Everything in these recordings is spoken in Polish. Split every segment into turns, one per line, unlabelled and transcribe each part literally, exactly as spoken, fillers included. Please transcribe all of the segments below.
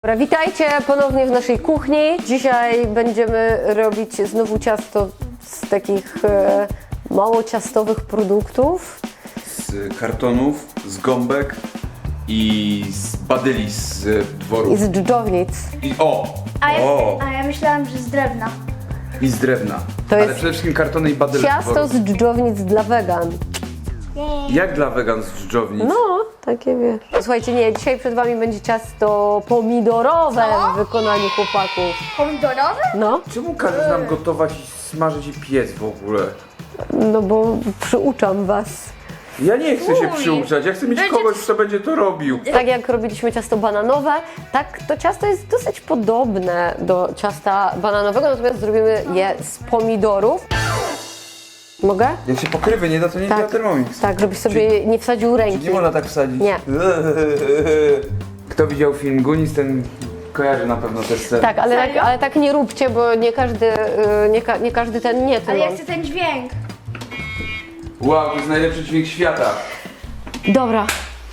Dobra, witajcie ponownie w naszej kuchni. Dzisiaj będziemy robić znowu ciasto z takich e, mało ciastowych produktów.
Z kartonów, z gąbek i z badyli z dworu.
I z dżdżownic.
I o!
A ja,
O!
a ja myślałam, że z drewna.
I z drewna.
To
Ale
jest
przede wszystkim kartony i badyle z
Ciasto
dworu.
z dżdżownic dla wegan.
Jak dla wegan z dżdżownic?
No, takie wiesz. Słuchajcie, nie, dzisiaj przed wami będzie ciasto pomidorowe
Co?
w wykonaniu chłopaków.
Pomidorowe?
No,
Czemu każesz nam gotować i smażyć i piec w ogóle?
no bo przyuczam was.
Ja nie chcę się
Uj.
przyuczać, ja chcę mieć
Będzie-
kogoś, kto będzie to robił.
Tak jak robiliśmy ciasto bananowe, tak to ciasto jest dosyć podobne do ciasta bananowego, natomiast zrobimy je z pomidorów. Mogę?
Jak się pokrywy nie da, to nie
Tak.
działa Thermomix.
Tak, żebyś sobie nie wsadził ręki.
Nie można tak wsadzić.
Nie.
Kto widział film Goonies, ten kojarzy na pewno też scenę.
Tak, ale tak,
Serio?
ale tak nie róbcie, bo nie każdy, y, nie, ka, nie każdy ten nie
Ale ja
tym.
chcę ten dźwięk.
Wow, to jest najlepszy dźwięk świata.
Dobra.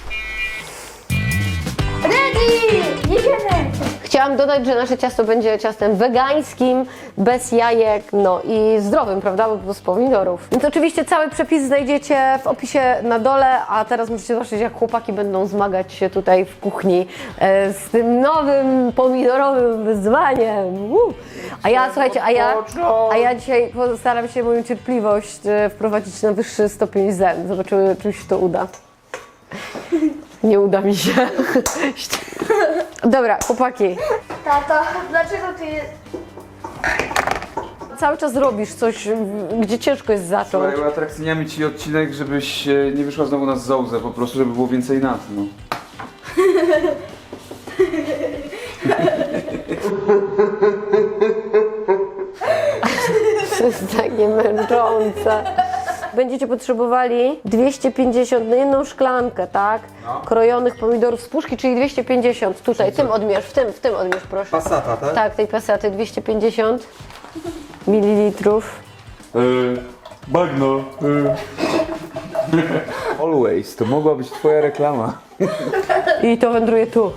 Ready! Jedziemy!
Chciałam dodać, że nasze ciasto będzie ciastem wegańskim, bez jajek, no i zdrowym, prawda, bo z pomidorów. Więc oczywiście cały przepis znajdziecie w opisie na dole, a teraz możecie zobaczyć, jak chłopaki będą zmagać się tutaj w kuchni e, z tym nowym pomidorowym wyzwaniem. Uh. A ja, słuchajcie, a ja, a ja dzisiaj postaram się moją cierpliwość e, wprowadzić na wyższy stopień zen. Zobaczymy, czy mi się to uda. Nie uda mi się. Dobra, chłopaki.
Tato, dlaczego ty...
Cały czas robisz coś, gdzie ciężko jest zacząć.
Słuchaj, atrakcyjniamy ci odcinek, żebyś e, nie wyszła znowu na zołzę, po prostu, żeby było więcej nas, no.
To jest takie męczące. Będziecie potrzebowali dwieście pięćdziesiąt, no jedną szklankę, tak?
No.
Krojonych pomidorów z puszki, czyli dwieście pięćdziesiąt. Tutaj, tym odmierz, w tym, w tym odmierz, proszę.
Passata, tak?
Tak, tej pasaty, dwieście pięćdziesiąt mililitrów.
Yy, bagno. Yy. Always, to mogła być twoja reklama.
I to wędruje tu.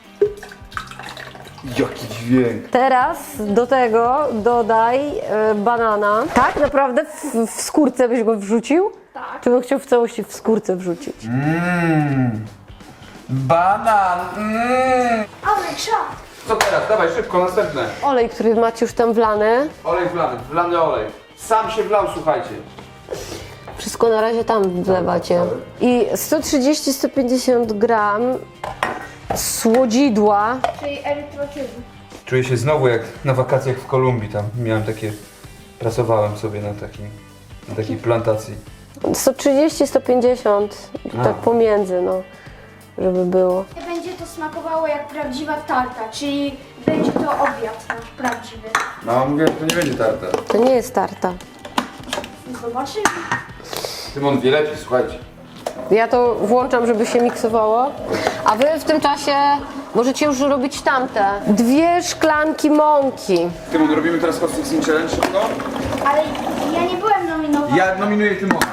Jaki dźwięk.
Teraz do tego dodaj e, banana. Tak, naprawdę w, w skórce byś go wrzucił?
Tak.
Czy bym chciał w całości w skórce wrzucić?
Mmm. Banan. Mmm.
Ale czad!
Co teraz? Dawaj, szybko, następne.
Olej, który macie już tam wlany.
Olej wlany, wlany olej. Sam się wlał, słuchajcie.
Wszystko na razie tam wlewacie. I sto trzydzieści do stu pięćdziesięciu gram słodzidła.
Czyli erytrocyzm.
Czuję się znowu jak na wakacjach w Kolumbii, tam miałem takie, pracowałem sobie na takim, na takiej plantacji.
sto trzydzieści do stu pięćdziesięciu,
A.
tak pomiędzy, no, żeby było.
Będzie to smakowało jak prawdziwa tarta, czyli będzie to obiad nasz prawdziwy.
No mówię, że to nie będzie tarta.
To nie jest tarta.
Zobaczymy.
Tymon wie lepiej, słuchajcie.
Ja to włączam, żeby się miksowało. A wy w tym czasie możecie już robić tamte. Dwie szklanki mąki.
Tymon, robimy teraz Hot Fixing Challenge szybko?
Ale ja nie byłem nominowana.
Ja nominuję Tymona.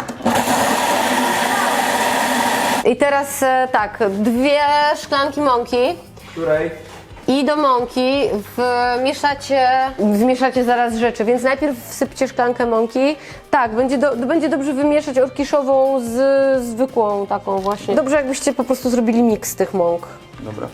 I teraz e, tak, dwie szklanki mąki.
Której?
I do mąki wmieszacie, wmieszacie zaraz rzeczy, więc najpierw wsypcie szklankę mąki. Tak, będzie, do, będzie dobrze wymieszać orkiszową z zwykłą taką właśnie. Dobrze jakbyście po prostu zrobili miks tych mąk.
Dobra.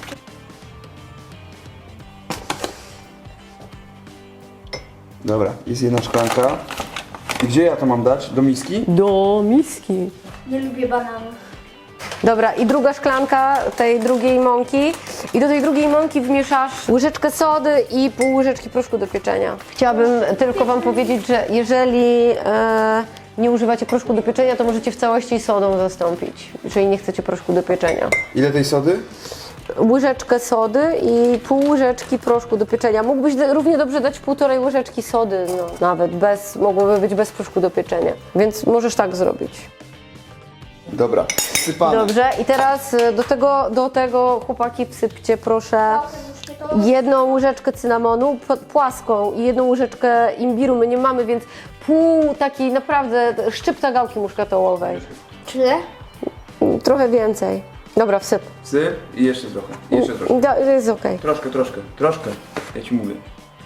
Dobra, jest jedna szklanka. I gdzie ja to mam dać? Do miski?
Do miski.
Nie lubię bananów.
Dobra, i druga szklanka tej drugiej mąki. I do tej drugiej mąki wmieszasz łyżeczkę sody i pół łyżeczki proszku do pieczenia. Chciałabym tylko wam powiedzieć, że jeżeli e, nie używacie proszku do pieczenia, to możecie w całości sodą zastąpić, jeżeli nie chcecie proszku do pieczenia.
Ile tej sody?
Łyżeczkę sody i pół łyżeczki proszku do pieczenia. Mógłbyś d- równie dobrze dać półtorej łyżeczki sody, no, nawet bez, mogłoby być bez proszku do pieczenia. Więc możesz tak zrobić.
Dobra, sypane.
Dobrze, i teraz y, do tego, do tego chłopaki wsypcie proszę jedną łyżeczkę cynamonu p- płaską i jedną łyżeczkę imbiru. My nie mamy, więc pół takiej naprawdę szczypta gałki muszkatołowej.
Tyle?
Trochę więcej. Dobra, wsyp.
Syp i jeszcze trochę. I jeszcze troszkę.
Da, jest okej.
Troszkę, troszkę, troszkę. Ja ci mówię.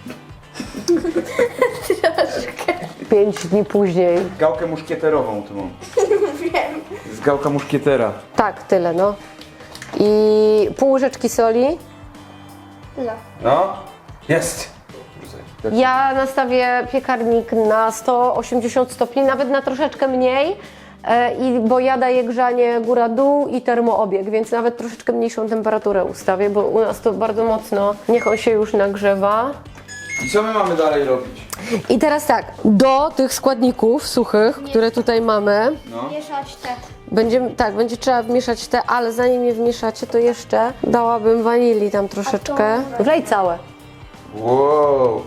Pięć dni później.
Gałkę muszkieterową tu mam.
Wiem.
Z gałka muszkietera.
Tak, tyle, no. I pół łyżeczki soli.
Tyle.
No, jest.
Ja nastawię piekarnik na sto osiemdziesiąt stopni, nawet na troszeczkę mniej, e, i, bo ja daję grzanie góra-dół i termoobieg, więc nawet troszeczkę mniejszą temperaturę ustawię, bo u nas to bardzo mocno, niech on się już nagrzewa.
I co my mamy dalej robić?
I teraz tak, do tych składników suchych, które tutaj mamy,
No.
Mieszać te.
będziemy, tak, będzie trzeba wmieszać te, ale zanim je wmieszacie, to jeszcze dałabym wanilii tam troszeczkę. Wlej całe.
Wow.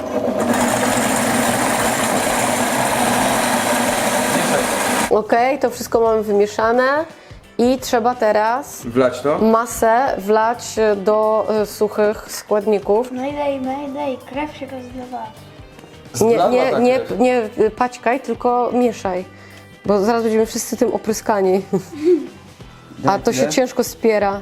Okej, to wszystko mamy wymieszane i trzeba teraz
Wlać to?
masę wlać do y, suchych składników.
No i daj, no i daj, krew się rozlewała.
Nie,
Zlała
nie,
tak
nie,
jest.
nie y, paćkaj, tylko mieszaj, bo zaraz będziemy wszyscy tym opryskani. A to się
Nie?
ciężko spiera.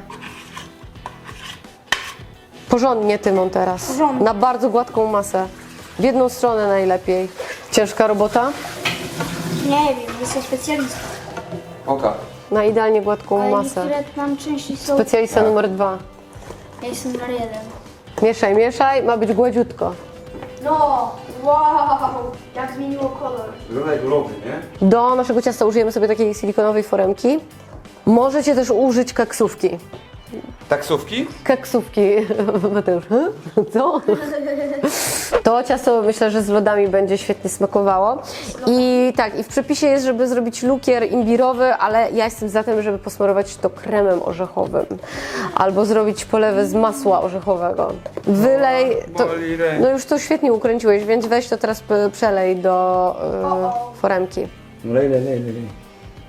Porządnie, Tymon, teraz.
Porządnie.
Na bardzo gładką masę. W jedną stronę najlepiej. Ciężka robota?
Nie wiem, jestem specjalistą.
Oka.
Na idealnie gładką
Ale
masę.
niektóre tam części są...
Specjalista numer dwa.
Ja jestem numer jeden.
Mieszaj, mieszaj, ma być gładziutko.
No, wow, jak zmieniło kolor.
Wygląda jak lody, nie?
Do naszego ciasta użyjemy sobie takiej silikonowej foremki. Możecie też użyć keksówki.
Taksówki?
Keksówki, Mateusz, he? co? To ciasto myślę, że z lodami będzie świetnie smakowało. I tak, i w przepisie jest, żeby zrobić lukier imbirowy, ale ja jestem za tym, żeby posmarować to kremem orzechowym. Albo zrobić polewę z masła orzechowego. Wylej, to,
Boli ręka.
no już to świetnie ukręciłeś, więc weź to teraz p- przelej do y, foremki.
Lej, lej, lej, lej.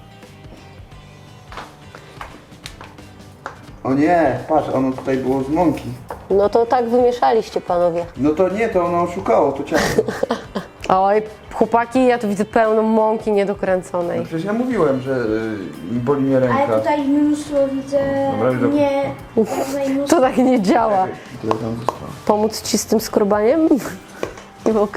O nie, patrz, ono tutaj było z mąki.
No to tak wymieszaliście, panowie.
No to nie, to ono oszukało, to ciasto.
Oj, chłopaki, ja tu widzę pełno mąki niedokręconej.
No przecież ja mówiłem, że y, boli mnie ręka.
Ale tutaj mnóstwo widzę,
Dobra, dobra.
nie, tutaj mnóstwo.
To tak nie działa.
Tyle tam zostało.
Pomóc ci z tym skrobaniem? Nie mogę.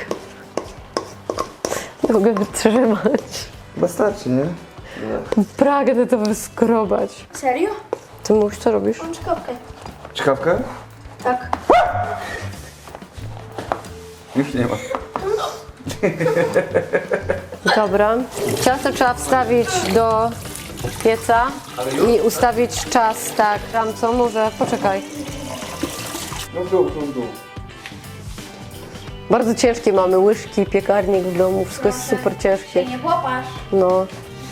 Nie mogę wytrzymać.
Chyba starczy, nie?
Pragnę to wyskrobać.
Serio?
Ty mówisz, co robisz?
Mam czkawkę.
Czkawkę?
Tak.
Już nie ma.
Dobra. Ciasto trzeba wstawić do pieca i ustawić czas, tak. Tam co? Może, poczekaj.
No w dół, no w dół.
Bardzo ciężkie mamy łyżki, piekarnik w domu, wszystko jest super ciężkie.
Nie popatrz.
No.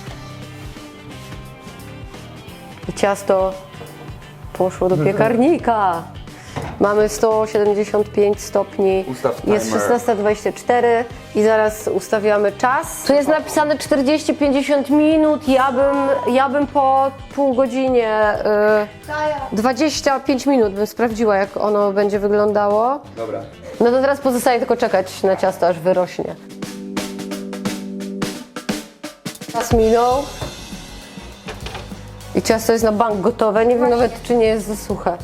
I ciasto poszło do piekarnika. Mamy sto siedemdziesiąt pięć stopni,
Ustaw
jest
timer.
szesnasta dwadzieścia cztery i zaraz ustawiamy czas. Tu jest napisane czterdzieści pięćdziesiąt minut, ja bym, ja bym po pół godzinie,
Daję.
y, dwadzieścia pięć minut bym sprawdziła, jak ono będzie wyglądało.
Dobra.
No to teraz pozostaje tylko czekać na ciasto, aż wyrośnie. Czas minął. I ciasto jest na bank gotowe. Nie wiem nawet, czy nie jest za suche.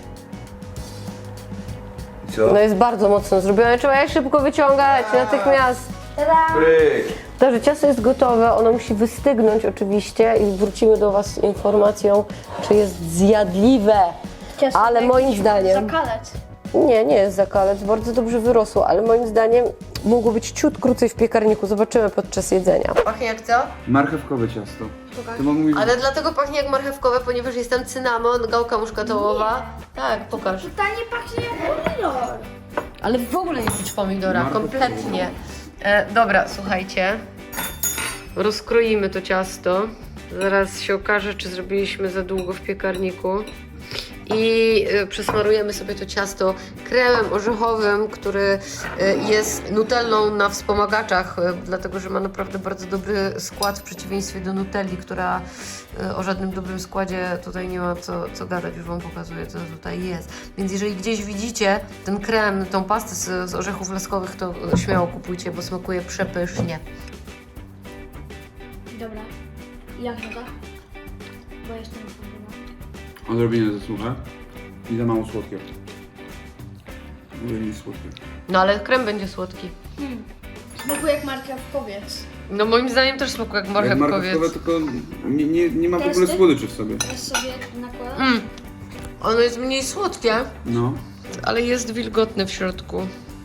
I co?
No jest bardzo mocno zrobione. Trzeba je szybko wyciągać natychmiast.
Tada!
Pryk.
Także ciasto jest gotowe, ono musi wystygnąć oczywiście i wrócimy do Was z informacją, czy jest zjadliwe.
Ciasto
Ale
to
moim
jakiś
zdaniem...
Zakalec.
Nie, nie jest zakalec, bardzo dobrze wyrosło, ale moim zdaniem mogło być ciut krócej w piekarniku. Zobaczymy podczas jedzenia. Pachnie jak co?
Marchewkowe ciasto. Ty mam mówić,
Ale dlatego pachnie jak marchewkowe, ponieważ jest tam cynamon, gałka muszkatołowa. Tak, pokaż.
Tutaj nie pachnie jak pomidor.
Ale w ogóle nie czuć pomidora,
Marchewkowe.
kompletnie. E, dobra, słuchajcie. Rozkroimy to ciasto. Zaraz się okaże, czy zrobiliśmy za długo w piekarniku. I y, przesmarujemy sobie to ciasto kremem orzechowym, który y, jest nutellą na wspomagaczach, y, dlatego że ma naprawdę bardzo dobry skład w przeciwieństwie do nutelli, która y, o żadnym dobrym składzie tutaj nie ma co, co gadać, już Wam pokazuję, co tutaj jest. Więc jeżeli gdzieś widzicie ten krem, tą pastę z, z orzechów laskowych, to y, śmiało kupujcie, bo smakuje przepysznie.
Dobra. Jak woda? Bo jestem na
Odrobinę za suche i za mało słodkie. Mówię, nie słodkie.
No ale krem będzie słodki.
Hmm. Smakuje jak marchewkowiec.
No moim zdaniem też smakuje jak
Jak marchewkowe, tylko nie, nie, nie ma w ogóle
Testy?
słodyczy w sobie.
Teraz sobie nakładam.
Mm. Ono jest mniej słodkie,
No.
ale jest wilgotne w środku.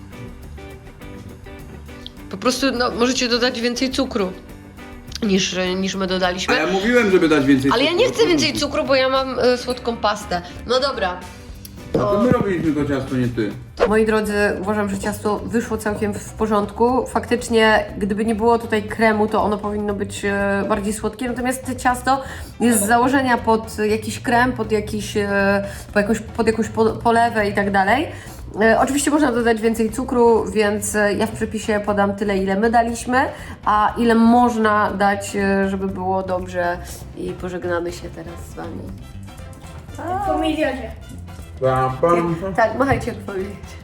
Po prostu no, możecie dodać więcej cukru niż, niż my
A
dodaliśmy.
ja mówiłem, żeby dać więcej
Ale ja
cukru.
nie chcę więcej cukru, bo ja mam y, słodką pastę. No dobra.
A to my robiliśmy to ciasto, nie ty.
Moi drodzy, uważam, że ciasto wyszło całkiem w porządku. Faktycznie, gdyby nie było tutaj kremu, to ono powinno być e, bardziej słodkie. Natomiast ciasto jest z założenia pod jakiś krem, pod, jakiś, e, po jakąś, pod jakąś po, polewę i tak dalej. E, Oczywiście można dodać więcej cukru, więc e, ja w przepisie podam tyle, ile my daliśmy, a ile można dać, e, żeby było dobrze. I pożegnamy się teraz z Wami.
Po milionie.
Pam, pam.
Tak, machajcie jak powiedzieć.